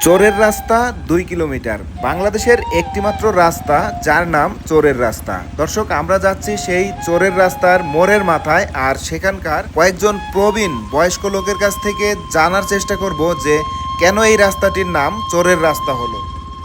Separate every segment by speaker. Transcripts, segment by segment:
Speaker 1: চোরের রাস্তা 2 কিলোমিটার, বাংলাদেশের একটিমাত্র রাস্তা যার নাম চোরের রাস্তা। দর্শক, আমরা যাচ্ছি সেই চোরের রাস্তার মোড়ের মাথায়, আর সেখানকার কয়েকজন প্রবীণ বয়স্ক লোকের কাছ থেকে জানার চেষ্টা করব যে কেন এই রাস্তাটির নাম চোরের রাস্তা হলো।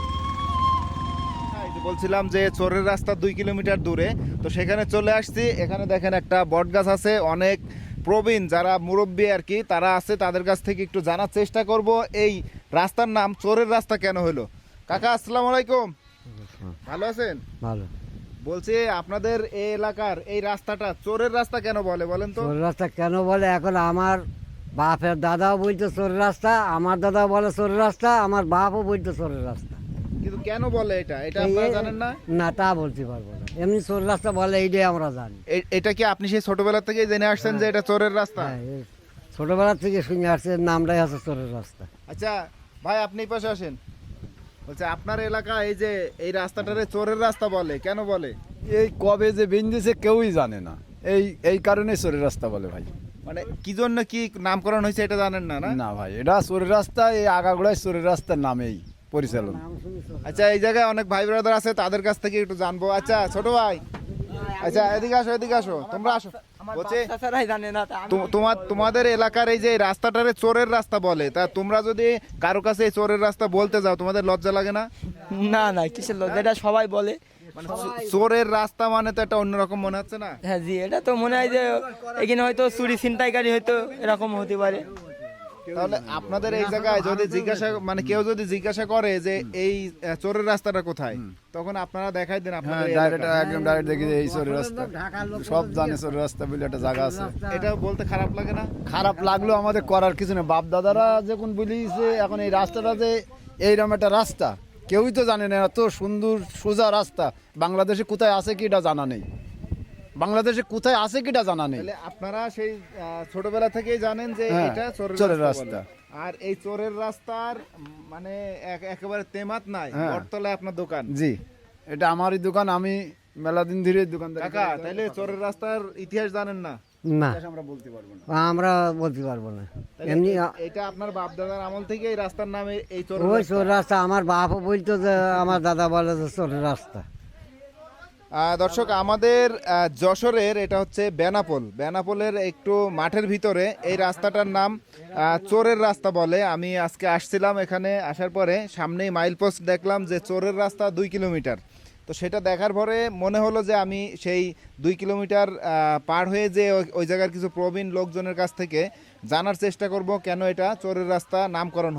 Speaker 1: বলছিলাম যে চোরের রাস্তা 2 কিলোমিটার দূরে, তো সেখানে চলে আসছি। এখানে দেখেন একটা বট গাছ আছে, অনেক প্রবীণ যারা মুরব্বী আর কি তারা আছে, তাদের কাছ থেকে একটু জানার চেষ্টা করব এই রাস্তার নাম চোরের রাস্তা কেন হলো। কাকা, আসসালামু আলাইকুম, ভালো আছেন?
Speaker 2: ভালো।
Speaker 1: বলছি আপনাদের এই এলাকার এই রাস্তাটা চোরের রাস্তা কেন বলে বলেন তো?
Speaker 2: চোর রাস্তা কেন বলে, এখন আমার বাপের দাদাও বলতো চোর রাস্তা, আমার দাদাও বলে চোর রাস্তা, আমার বাপও বলতো চোরের রাস্তা।
Speaker 1: কিন্তু কেন বলে এটা এটা আপনারা জানেন না?
Speaker 2: না, তা বলতে পারবো না, এমনি চোর রাস্তা বলে এইটাই আমরা জানি।
Speaker 1: এটা কি আপনি সেই ছোটবেলা থেকেই জেনে আসছেন যে এটা চোরের রাস্তা?
Speaker 2: হ্যাঁ, এই ছোটবেলা থেকে শুনে আসছে, নামটাই আছে চোরের রাস্তা।
Speaker 1: আচ্ছা ভাই, আপনি এই পাশে আসেন। বলছে আপনার এলাকা এই যে এই রাস্তাটারে চোরের রাস্তা বলে, কেন বলে?
Speaker 3: এই কবে যে বেঞ্জেছে কেউই জানে না, এই কারণে চোরের রাস্তা বলে ভাই।
Speaker 1: মানে কি জন্য কি নামকরণ হয়েছে এটা জানেন না? না,
Speaker 3: না ভাই, এটা চোরের রাস্তা, এই আগাগোড়ায় চোরের রাস্তার নামেই পরিচালন।
Speaker 1: আচ্ছা, এই জায়গায় অনেক ভাই ব্রাদার আছে, তাদের কাছ থেকে একটু জানবো। আচ্ছা ছোট ভাই, আচ্ছা এদিকে আসো, এদিকে আসো, তোমরা আসো। বলছে তোমাদের এলাকার এই যে রাস্তাটারে চোরের রাস্তা বলে, তা তোমরা যদি কারো কাছে এই চোরের রাস্তা বলতে যাও, তোমাদের লজ্জা লাগে না?
Speaker 4: না না, কিসের লজ্জা, এটা সবাই বলে।
Speaker 1: মানে চোরের রাস্তা মানে তো একটা অন্যরকম মনে হচ্ছে না?
Speaker 4: হ্যাঁ জি, এটা তো মনে হয় যে এখানে হয়তো চুরি ছিনতাইকারী হয়তো এরকম হতে পারে।
Speaker 1: তাহলে আপনাদের এই জায়গায় যদি জিজ্ঞাসা মানে কেউ যদি জিজ্ঞাসা করে যে এই চোরের রাস্তাটা কোথায়, তখন আপনারা দেখাই দেন
Speaker 3: হ্যাঁ,
Speaker 1: আপনাদের এই
Speaker 3: ডাইরেক্ট
Speaker 1: এলাকায়।
Speaker 3: একদম ডাইরেক্ট দেখি যে এই চোরের রাস্তা, সব জানে চোরের রাস্তা বলে একটা জায়গা আছে।
Speaker 1: এটা বলতে খারাপ লাগে না?
Speaker 3: খারাপ লাগলো, আমাদের করার কিছু নেই। বাপ দাদারা যখন বলিছে, এখন এই রাস্তাটা যে এইরকম একটা রাস্তা কেউই তো জানে না, এত সুন্দর সোজা রাস্তা বাংলাদেশে কোথায় আছে কি এটা জানা নেই, বাংলাদেশে কোথায় আছে কি এটা জানা নেই।
Speaker 1: তাহলে আপনারা সেই ছোটবেলা থেকেই জানেন যে
Speaker 3: হ্যাঁ,
Speaker 1: এটা
Speaker 3: চোরের
Speaker 1: চোরের
Speaker 3: রাস্তা।
Speaker 1: রাস্তা। আর এই চোরের রাস্তার মানে একেবারে তেমাত নাই,
Speaker 3: হ্যাঁ।
Speaker 1: বটতলায় আপনার দোকান।
Speaker 3: জি, এটা আমারই দোকান, আমি মেলা দিন ধরে দোকানদার।
Speaker 1: কাকা, তাইলে চোরের রাস্তার ইতিহাস জানেন না?
Speaker 2: না,
Speaker 3: আমরা বলতে পারবো না।
Speaker 2: আমরা বলতে পারবো না।
Speaker 1: তাইলে
Speaker 2: এমনি
Speaker 1: এটা আপনার বাপ দাদার আমল থেকে এই রাস্তার নামে এই চোরের
Speaker 2: ওই
Speaker 1: রাস্তা।
Speaker 2: চোর রাস্তা, আমার বাপও বলতো যে, আমার দাদা বলে যে চোরের রাস্তা।
Speaker 1: দর্শক, আমাদের যশোরের এটা হচ্ছে বেনাপোলের একটু মাঠের ভিতরে এই রাস্তাটার নাম চোরের রাস্তা বলে। আমি আজকে আসছিলাম, এখানে আসার পরে সামনেই মাইল পোস্ট দেখলাম যে চোরের রাস্তা 2 কিলোমিটার। তো সেটা দেখার পরে মনে হলো যে আমি সেই 2 কিলোমিটার পার হয়ে যে ওই জায়গার কিছু প্রবীণ লোকজনের কাছ থেকে জানার চেষ্টা করব কেন এটা চোরের রাস্তা নামকরণ